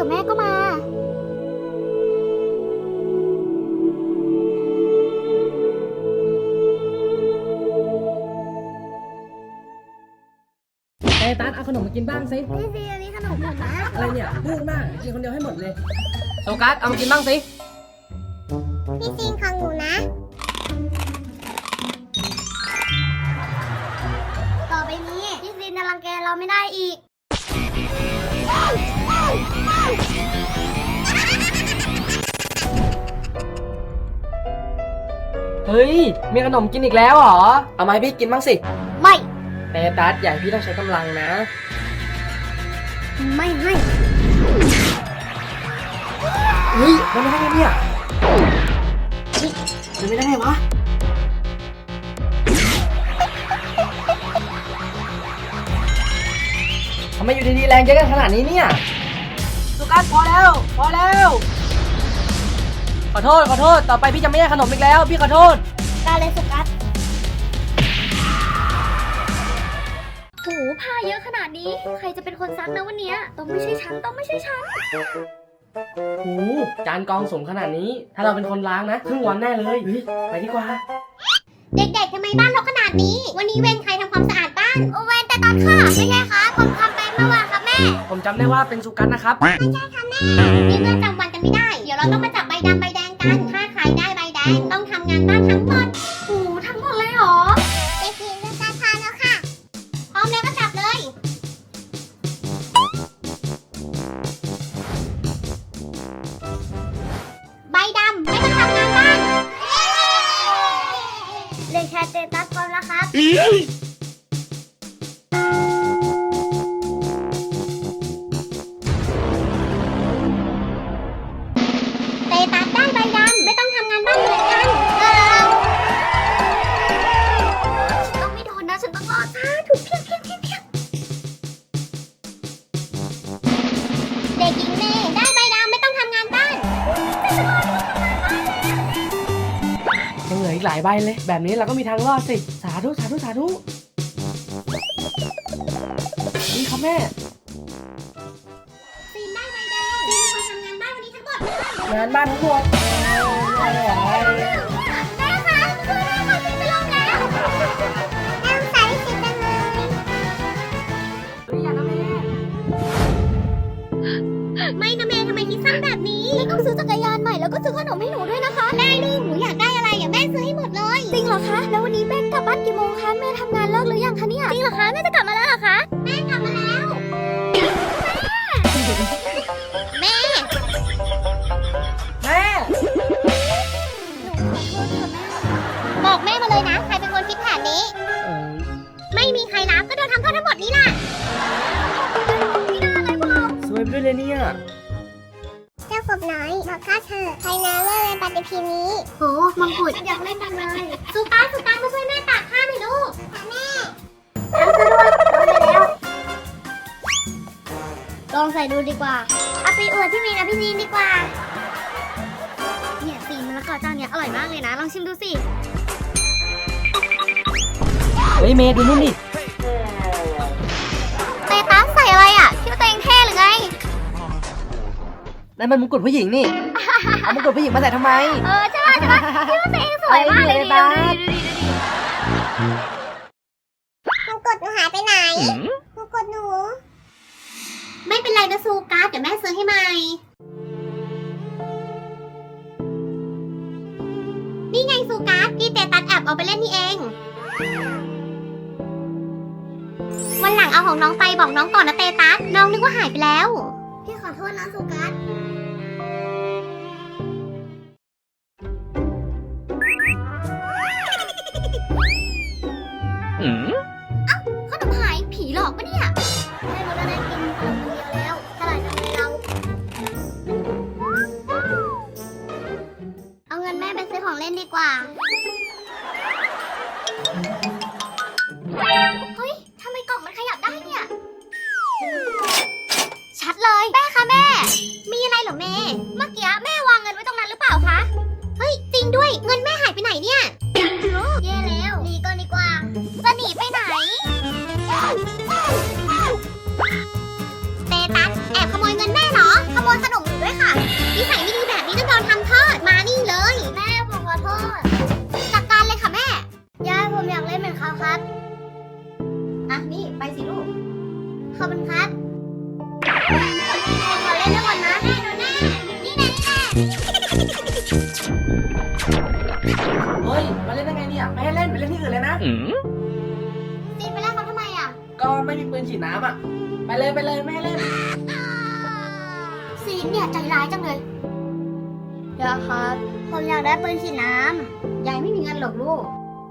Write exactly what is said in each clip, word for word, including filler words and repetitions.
แม่ก็มาไอ้ตันเอาขนมมากินบ้างสิพี่ซีอันนี้ขนมหมดนะอะไรเนี่ยพูดมากกินคนเดียวให้หมดเลยโซกัสเอามากินบ้างสิพี่ซีของหนูนะต่อไปนี้พี่ซีจะรังแกเราไม่ได้อีกเฮ้ยมีขนมกินอีกแล้วเหรอเอามาให้พี่กินบ้างสิไม่แต่ตัดใหญ่พี่ต้องใช้กำลังนะไม่ให้เฮ้ยมันไม่ได้ไงเนี่ยเฮ้ยมันไม่ได้ไงวะทำไมอยู่ดีๆแรงเยอะกันขนาดนี้เนี่ยสุกัสพอแล้วพอแล้วขอโทษขอโทษต่อไปพี่จะไม่ให้ขนมอีกแล้วพี่ขอโทษได้เลยสุกัสโหผ้าเยอะขนาดนี้ใครจะเป็นคนซักนะวันนี้ต้องไม่ใช่ฉันต้องไม่ใช่ฉันโอ้จานกองสูงขนาดนี้ถ้าเราเป็นคนล้างนะครึ่งวันแน่เลยเฮ้ยไปดีกว่าเด็กๆทำไมบ้านรกขนาดนี้วันนี้เวรใครทำความสะอาดบ้านโอเวรแต่ตอนค่ะไม่ใช่คะผมทำไปเมื่อวานครับแม่ผมจำได้ว่าเป็นสุกัสนะครับไม่ใช่ค่ะแม่นี่เมื่อจำวันกันไม่ได้เดี๋ยวเราต้องมาจับใบดำใบแดงกันถ้าใครได้ใบแดงต้องทำงานบ้านทั้งหมดโอ้ทั้งหมดเลยเหรอเด็กหญิงจะจัดทานแล้วค่ะพร้อมแล้วก็จับเลยใบดำไม่ต้องทำงานบ้านเลขแคสเตตัสพร้อมแล้วครับเตตัสได้ใบดำไม่ต้องทำงานบ้านเหมือนกันเออฉันต้องไม่โดนนะฉันต้องรอดจ้าถูกเพียงเพียงเพียงเพียงเด็กหญิงเมย์ได้ใบดำไม่ต้องทำงานบ้านแต่ฉันรอดไม่ต้องทำงานบ้านยังเหลืออีกหลายใบเลยแบบนี้เราก็มีทางรอดสิสาธุสาธุสาธุนี่ครับแม่ซีนได้ใบแดงซีนเป็นคนทำงานบ้านวันนี้ทั้งหมดเลยงานบ้านทั้งหมดแม่คะคือแม่ค่ะซีนจะลงแล้วแม่ใส่ซีนจังเลยเฮ้ยอย่านะแม่ไม่นะเมย์ทำไมคิดสั้นแบบนี้แม่ต้องซื้อจักรยานใหม่แล้วก็ซื้อขนมให้หนูด้วยนะคะได้ลูกหนูอยากได้อะไรอย่าแม่ซื้อให้หมดเลยจริงเหรอคะแล้ววันนี้แม่กลับบ้านกี่โมงคะแม่ทำงานเลิกหรือยังคะเนี่ยจริงเหรอคะแม่จะกลับมาแล้วเหรอคะแม่กลับมาแล้วแม่แม่บอกแม่มาเลยนะใครเป็นคนคิดแผนนี้เออไม่มีใครรับก็โดนทำโทษทั้งหมดนี้ล่ะไม่น่าเลยพวกเราสวยไปด้วยเลยเนี่ยเจ้ากบน้อยบอกข้าเธอใครนะเลิกเล่นปฏิทินนี้โหมังคุดอยากเล่นจังเลยสุตาสุตามาช่วยแม่ตากผ้าหน่อยลูกค่ะแม่ทำซะด้วยทำไปแล้วลองใส่ดูดีกว่าเอาไปอวดพี่มีนะพี่นีนดีกว่าเนี่ยสีมะละกอเจ้าเนี้ยอร่อยมากเลยนะลองชิมดูสิเฮ้ยเมย์ดูนู่นดิเตตัสใส่อะไรอ่ะคิดว่าตัวเองเท่หรือไงนั่นมันมงกุฎผู้หญิงนี่ เอามงกุฎผู้หญิงมาใส่ทำไมเออใช่ป่ะใช่ป่ะคิดว่าตัวเองสวยมากเลยดิดูดิดูดิดูดิมงกุฎหนูหายไปไหนมงกุฎหนู ไม่เป็นไรนะซูการ์ดเดี๋ยวแม่ซื้อให้ใหม่ นี่ไงซูการ์ดที่เตตัสแอบเอาไปเล่นนี่เอง วันหลังเอาของน้องไปบอกน้องก่อนนะเตตัสน้องนึกว่าหายไปแล้ว พี่ขอโทษนะซูการ์ดขนมหายผีหลอกปะเนี่ยได้รู้แล้วได้กินขนมคนเดียวแล้วฉลาดจังเลยเราเอาเงินแม่ไปซื้อของเล่นดีกว่าเฮ้ยทำไมกล่องมันขยับได้เนี่ยชัดเลยแม่คะแม่มีอะไรเหรอแม่เมื่อกี้แม่วางเงินไว้ตรงนั้นหรือเปล่าคะเฮ้ยจริงด้วยเงินแม่หายไปไหนเนี่ยแย่แล้วหนีก่อนดีกว่าจะหนีไปไหนเตตัสแอบขโมยเงินแม่เหรอ ขโมยขนมหนูด้วยค่ะนิสัยไม่ดีแบบนี้ต้องโดนทำโทษมานี่เลย แม่ผมขอโทษจัดการเลยค่ะแม่ยายผมอยากเล่นเหมือนเขาครับอ่ะนี่ไปสิลูกขอบคุณครับขอเล่นด้วยก่อนนะแม่ดูแน่นี่นะนี่นะเฮ้ยมาเล่นได้ไงเนี่ยไม่ให้เล่นไปเล่นที่อื่นเลยนะตีไปแล้วเขาทำไมอ่ะก็ไม่มีปืนฉีดน้ำอ่ะไปเลยไปเลยไม่ให้เล่นซีนเนี่ยใจร้ายจังเลยยายครับ ผมอยากได้ปืนฉีดน้ำยายไม่มีเงินหรอกลูก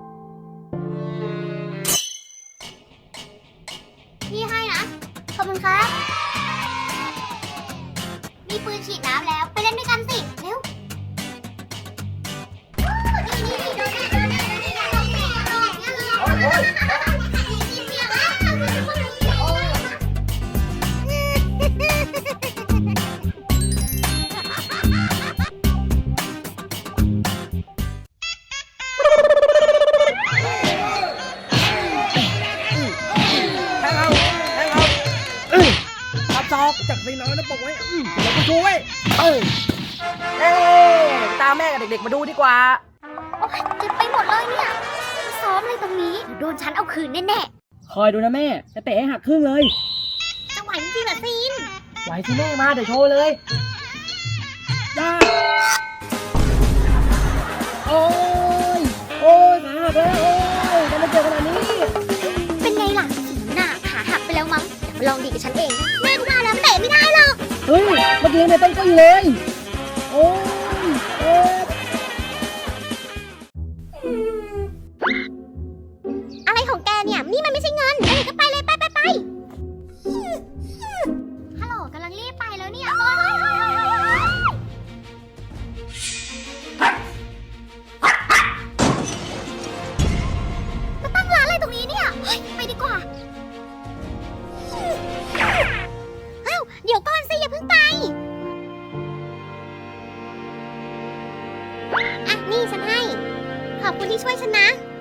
พี่ให้นะ ขอบคุณครับ มีปืนฉีดน้ำแล้วไปเล่นด้วยกันสิ เร็ว นี่นี่นี่โดนแน่โดนแน่โดนแน่โดนแน่โดนแน่โดนแน่แทงเอาแทงเอาเอ้ยตับซอกจากสีน้อยนะปกไว้อืมแล้วก็ช่วยเออเอ้ยตามแม่กับเด็กๆมาดูดีกว่าโอ๊ยเจ็บไปหมดเลยเนี่ยซ้อมอะไรตรงนี้เดี๋ยวโดนฉันเอาคืนแน่คอยดูนะแม่จะเตะให้หักครึ่งเลยๆจะไหวจริงๆเหรอซีนไหวสิแม่มาเดี๋ยวโชว์เลยย่าโอ้ยโอ้ยขาหักแล้วโอ้ยทำไมเจ็บขนาดนี้เป็นไงล่ะหน้าขาหักไปแล้วมั้งเดี๋ยวมาลองดีกับฉันเองนะแม่ก็มาแล้วเตะไม่ได้หรอกเฮ้ยเมื่อกี้เนี่ยต้องตึ้งเลยโอ้ยโอ้ยอะไรของแกเนี่ย นี่มันไม่ใช่เงินไปก็ไปเลยไปไปไปฮัลโหลกำลังรีบไปแล้วเนี่ยโอ๊ยมาตั้งร้านอะไรตรงนี้เนี่ยเฮ้ยไปดีกว่าเอ้าเดี๋ยวก่อนสิอย่าเพิ่งไปอ่ะนี่ฉันให้ ขอบคุณที่ช่วยฉันนะ